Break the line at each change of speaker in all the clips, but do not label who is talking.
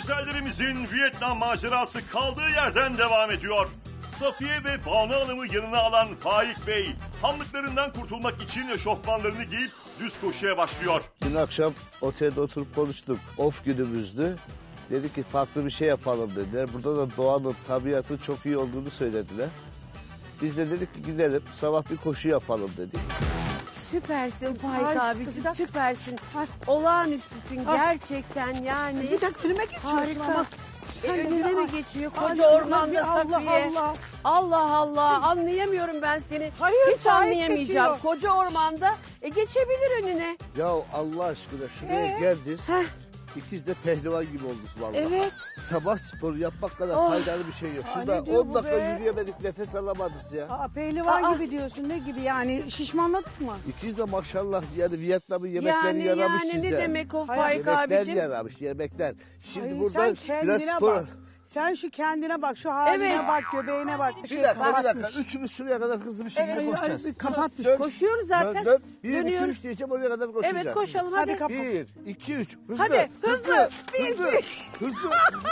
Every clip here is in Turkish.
güzellerimizin Vietnam macerası kaldığı yerden devam ediyor. Safiye ve Banu Hanım'ı yanına alan Faik Bey, hamlıklarından kurtulmak için eşofmanlarını giyip düz koşuya başlıyor.
Dün akşam otelde oturup konuştuk. Off günümüzdü. Dedi ki farklı bir şey yapalım dediler. Burada da doğanın, tabiatın çok iyi olduğunu söylediler. Biz de dedik ki gidelim sabah bir koşu yapalım dedik.
Süpersin Faik
Ay,
abicim,
bir
süpersin.
Ay.
Olağanüstüsün
Ay.
gerçekten yani.
Bir dakika filme geçiyorsun
Harika.
ama.
Önüne
bir-
mi geçiyor
Ay,
koca ormanda
bir Allah
Safiye?
Allah.
Allah Allah, anlayamıyorum ben seni.
Hayır,
Hiç
Faik
anlayamayacağım.
geçiyor.
Koca ormanda geçebilir önüne.
Ya Allah aşkına şuraya geldiniz.
Heh.
İkiz de pehlivan gibi olduk vallahi.
Evet.
Sabah sporu yapmak kadar
Oh.
faydalı bir şey yok. Şurada
ne diyor
10
bu
dakika
be?
yürüyemedik, nefes alamadız ya.
Aa, pehlivan
Aa.
gibi diyorsun, ne gibi yani, şişmanladık mı?
İkiz de maşallah yani Vietnam'ın yemekleri
Yani
yaramış
yani
size.
ne demek o
Hayır,
Faik
Yemekler
abicim?
yaramış, yemekler. Şimdi
Ay,
burada
sen
biraz
kendine
spor...
bak. Sen şu kendine bak, şu haline
Evet.
bak, göbeğine bak.
Bir dakika. Üçümüz şuraya kadar hızlı bir şekilde
Evet,
koşacağız.
kapatmış.
Dön,
Koşuyoruz zaten.
Dön, dön. 1, 2,
Dönüyoruz.
3 diyeceğim oraya kadar koşacağız.
Evet koşalım hadi.
Hadi kapat.
1, 2, 3. Hızlı.
Hadi, hızlı.
Hızlı.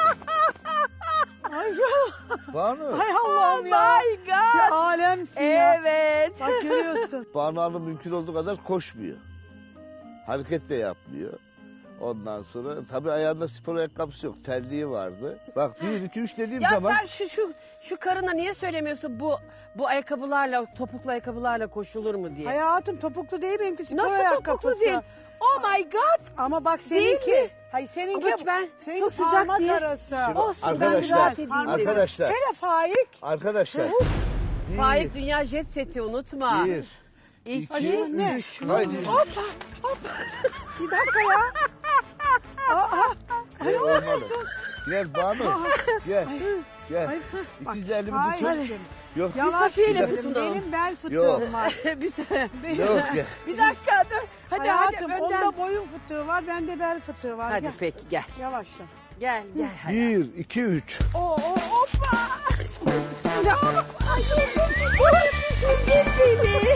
Ay ya.
Banu.
Ay
Oh
Allah'ım ya.
my
Bir
God.
alemsin ya.
Evet.
Bak görüyorsun.
Banu Hanım mümkün olduğu kadar koşmuyor. Hareket de yapmıyor. Ondan sonra tabii ayağında spor ayakkabısı yok. Terliği vardı. Bak 1, 2, 3 dediğim
Ya
zaman...
sen şu karına niye söylemiyorsun bu ayakkabılarla, topuklu ayakkabılarla koşulur mu diye?
Hayatım topuklu değil benimki, spor
Nasıl
ayakkabısı.
topuklu değil? Oh my God.
Ama bak
Değil
seninki.
mi?
Hayır seninki.
Ama ben
seninki
çok sıcak
parmak
diye-
arası.
Olsun, ben
Arkadaşlar,
rahat edeyim dedim.
arkadaşlar,
Hele Faik.
arkadaşlar.
Faik Dünya Jet Seti unutma.
1,
İlk
2,
ne?
3. Haydi.
Bir dakika ya.
Gel olmalı. Gel Banu. Gel. Gel.
Bak,
İkiz elimi
Faik.
tutun. Yok.
Yavaş
Safiye'yle
gidelim.
tutunalım.
Benim bel fıtığım
Yok.
var.
Yok gel.
Bir dakika dur. Hadi
Hayatım
hadi önden.
onda boyun fıtığı var, bende bel fıtığı var.
Hadi
Gel.
peki gel.
Yavaşla.
Gel gel. Hadi.
1, 2, 3.
Hoppa.
Ya.
Ay düşürdün beni.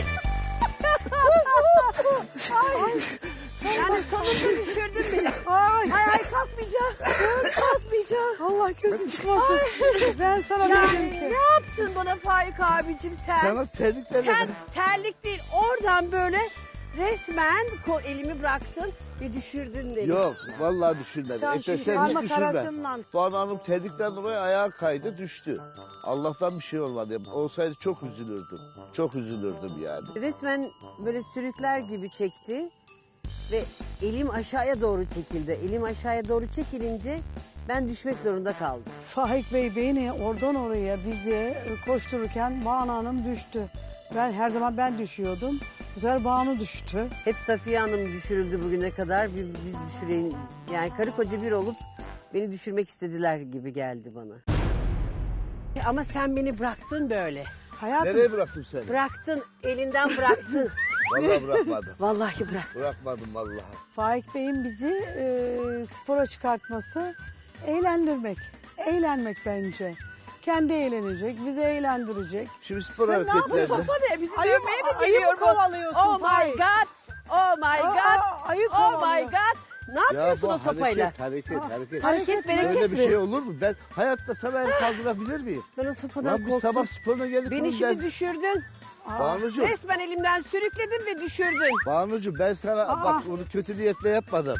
Ay. Yani sonunda düşürdün beni.
Ay.
Ay kalkmayacağım. Kalkmayacağım.
Allah gözüm çıkmasın. Ben sana dedim
Yani
ki.
ne yaptın bana Faik abicim sen?
Sana terliklerle...
Sen terlik değil oradan böyle resmen elimi bıraktın ve düşürdün beni.
Yok vallahi düşürmedim.
Sen
Sen
şimdi
hiç
parmak
düşürme.
arasından.
Banu Hanım terlikten dolayı ayağa kaydı düştü. Allah'tan bir şey olmadı. Olsaydı çok üzülürdüm. Çok üzülürdüm yani.
Resmen böyle sürükler gibi çekti ve elim aşağıya doğru çekildi. Elim aşağıya doğru çekilince ben düşmek zorunda kaldım.
Faik Bey beni oradan oraya bizi koştururken Banu Hanım düştü. Ben her zaman ben düşüyordum. Bu sefer Banu düştü.
Hep Safiye Hanım düşürüldü bugüne kadar. Biz düşüreyim. Yani karı koca bir olup beni düşürmek istediler gibi geldi bana. Ama sen beni bıraktın böyle.
Hayatım
Nereye bıraktım seni?
Bıraktın, elinden bıraktın.
Vallahi bırakmadım.
Vallahi bıraktın.
Bırakmadım vallahi.
Faik Bey'in bizi spora çıkartması eğlendirmek. Eğlenmek bence. Kendi eğlenecek, bizi eğlendirecek.
Şimdi spor
Sen ne
Bu
hareketlerinde...
sopa ne? Bizi
Ayıp-
dövmeye mi
ayıp
geliyor bu?
kovalıyorsun
Oh my
Faik.
God. Oh my God.
ayıp
Oh my
kovalıyor.
God. Ne
Ya
yapıyorsun
bu
o sopayla?
hareket.
Hareket bereket
Öyle bir
mi?
şey olur mu? Ben hayatta sana el kaldırabilir miyim?
Ben o sopadan
Lan biz
korktum.
sabah sporuna gelip
Beni
bunu
şimdi düşürdün.
Banucuğum,
Resmen elimden sürükledin ve düşürdün.
Banucuğum ben sana bak bunu kötü niyetle yapmadım.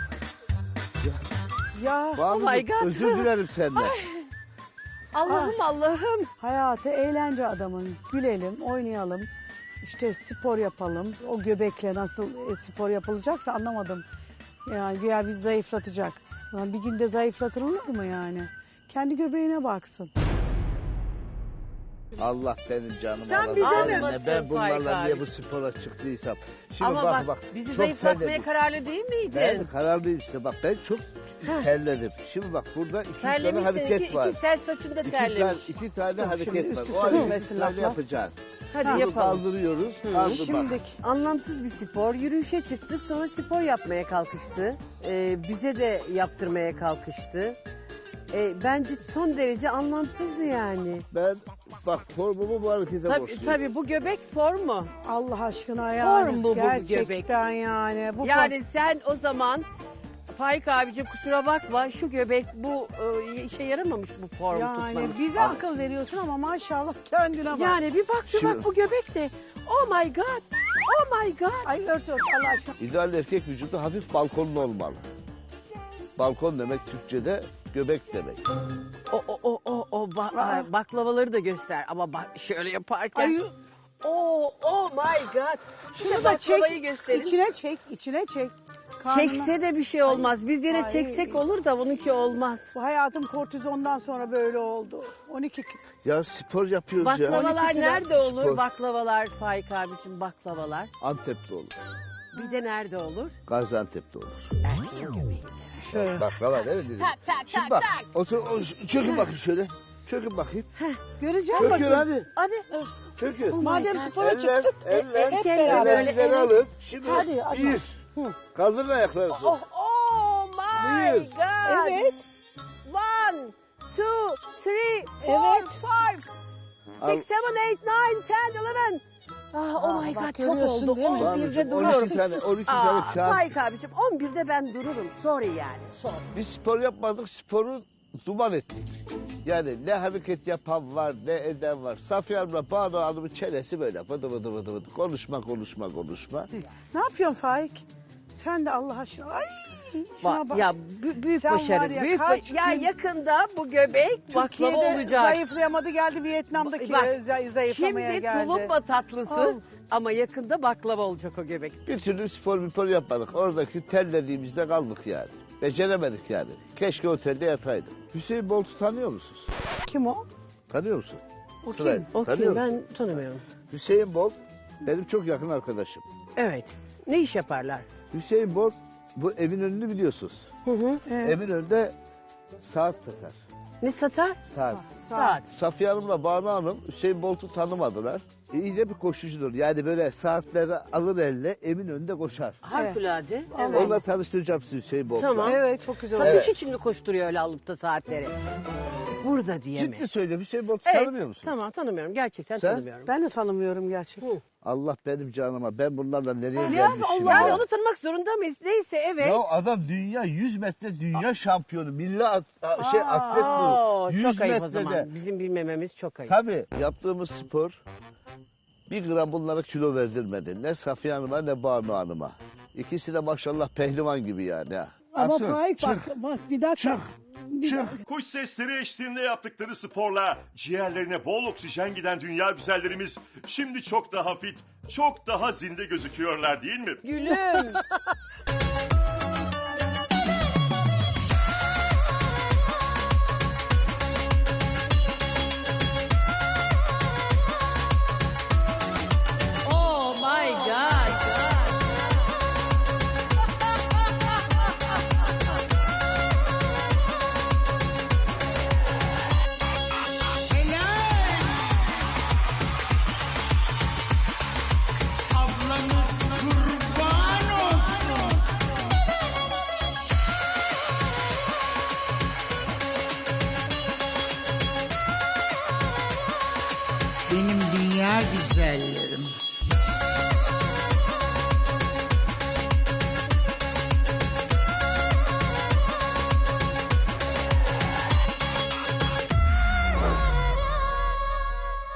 Ya
Banucuğum,
my God.
özür dilerim senden.
Allah'ım Allah'ım.
hayatı eğlence adamın. Gülelim, oynayalım. İşte spor yapalım. O göbekle nasıl spor yapılacaksa anlamadım. Yani güya bizi zayıflatacak. Lan bir günde zayıflatılır mı yani? Kendi göbeğine baksın.
Allah benim canımı
Sen
alır.
bir de
Vallahi
mi?
ben bunlarla
Faik
niye
abi.
bu spora çıktıysam. Şimdi
Ama bak,
bizi
bizi zayıflatmaya kararlı değil miydin?
Ben kararlıyım size bak ben çok terledim. Şimdi bak burada iki tane
Terlemişsin.
hareket var.
İki tel saçında terlemiş.
İki tane
Şimdi
hareket var.
üst
O
üste
halde
dönmesin
iki tane
laflar.
yapacağız.
Hadi
Bunu
yapalım.
kaldırıyoruz. Kaldır bak.
Şimdi
Anlamsız bir spor. Yürüyüşe çıktık sonra spor yapmaya kalkıştı. Bize de yaptırmaya kalkıştı. Bence son derece anlamsızdı yani.
Ben bak formumu bu harekete
Tabii,
borçluyum.
tabii bu göbek formu.
Allah aşkına yani.
Form bu göbek.
Gerçekten yani. Bu
Yani sen o zaman Faik abicim kusura bakma şu göbek bu işe yaramamış bu formu
Yani
tutmanın.
bize akıl veriyorsun ama maşallah kendine bak.
Yani bir bak
Şimdi-
bu göbek ne? Oh my god. Oh my god.
Ay ört Allah aşkına.
İdeal erkek vücudu hafif balkonlu olmalı. Balkon demek Türkçe'de göbek demek.
Baklavaları da göster ama bak şöyle yaparken.
Ay,
Oh my god.
şunu da çek.
baklavayı gösterin.
İçine çek. Karnına-
Çekse de bir şey olmaz. Biz yine
Ay.
çeksek olur da bununki olmaz.
Bu hayatım kortizondan sonra böyle oldu. 12
Ya spor yapıyoruz ya.
Baklavalar
12 kilo.
nerede olur?
Spor.
Baklavalar Faik abicim baklavalar.
Antep'te olur.
Bir de nerede olur?
Gaziantep'te olur.
Erkeğin göbeğinde.
Baklava değil mi dedim?
Tak, tak,
Şimdi
tak,
bak,
tak.
otur, çökün bakayım şöyle. Çökün bakayım.
Göreceğim
Çökün
bakayım.
hadi.
Hadi.
Çökün.
Madem spora
Eller,
çıktık
eller,
hep
eller,
beraber.
böyle,
ellerinizi
evet.
alın. Şimdi
Hadi, hadi.
bir. Kaldırın ayaklarınızı.
Oh my
Buyur.
god.
Evet.
1, 2, 3, 4,
Evet.
5, 6, 7, 8, 9, 10, 11. Oh my
bak
god çok
görüyorsun
oldu.
değil mi?
11'de
12
dururum.
tane, 12 tane kağıt.
Faik abicim 11'de ben dururum. Sorry yani sorry.
Biz spor yapmadık, sporu duman ettik. Yani ne hareket yapan var, ne eden var. Safiye Hanım'la Banu Hanım'ın çenesi böyle vıdı vıdı vıdı vıdı. Konuşma.
Ne yapıyorsun Faik? Sen de Allah aşkına. Ay şuna bak.
Ya büyük
Sen var
başarı.
ya,
Büyük
kaç
ya
gün-
yakında bu göbek baklava
Türkiye'de
olacak.
zayıflayamadı geldi Vietnam'daki
Bak,
zayıflamaya
Şimdi
geldi.
tulumba tatlısı
Al.
ama yakında baklava olacak o göbek.
Bir türlü spor yapmadık. Oradaki terlediğimizde kaldık yani. Beceremedik yani. Keşke otelde yataydık. Hüseyin Bolt'u tanıyor musunuz?
Kim o?
Tanıyor musun?
O
Sırayla.
kim?
O
Tanıyor
kim?
musun?
Ben tanımıyorum.
Hüseyin Bolt benim çok yakın arkadaşım.
Evet. Ne iş yaparlar?
Hüseyin Bolt bu Eminönü'nü biliyorsunuz.
Evet.
Eminönü'nde saat satar.
Ne satar?
Saat.
Saat.
Safiye Hanım'la Banu Hanım Hüseyin Bolt'u tanımadılar. İyi de bir koşucudur. Yani böyle saatleri alır elle Eminönü'nde koşar.
Harikulade. Evet.
Onunla tanıştıracağım sizi Hüseyin Bolt'la.
Tamam.
Evet çok güzel.
Satış için mi koşturuyor öyle alıp da saatleri? Burada diye mi?
Ciddi söylüyorum Hüseyin Bolt'u
Evet,
tanımıyor musun?
Tamam tanımıyorum. Gerçekten
Sen?
tanımıyorum.
Ben de tanımıyorum gerçekten.
Allah benim canıma ben bunlarla nereye
Ya
gelmişim
yani
ya.
onu tanımak zorunda mıyız? Neyse evet.
Ya adam dünya 100 metre dünya şampiyonu. Milli atlet
Oo,
bu. 100
çok ayıp o
metrede.
zaman. Bizim bilmememiz çok ayıp.
Tabii yaptığımız spor bir gram bunlara kilo verdirmedi. Ne Safiye Hanım'a ne Banu Hanım'a. İkisi de maşallah pehlivan gibi yani. Ha.
Ama
Aksın,
Faik
çık,
bak bir dakika.
çık.
Kuş sesleri eşliğinde yaptıkları sporla ciğerlerine bol oksijen giden dünya güzellerimiz şimdi çok daha fit, çok daha zinde gözüküyorlar değil mi?
Gülüm. Oh my god.
Ablanız kurban olsun. Benim dünya güzellerim.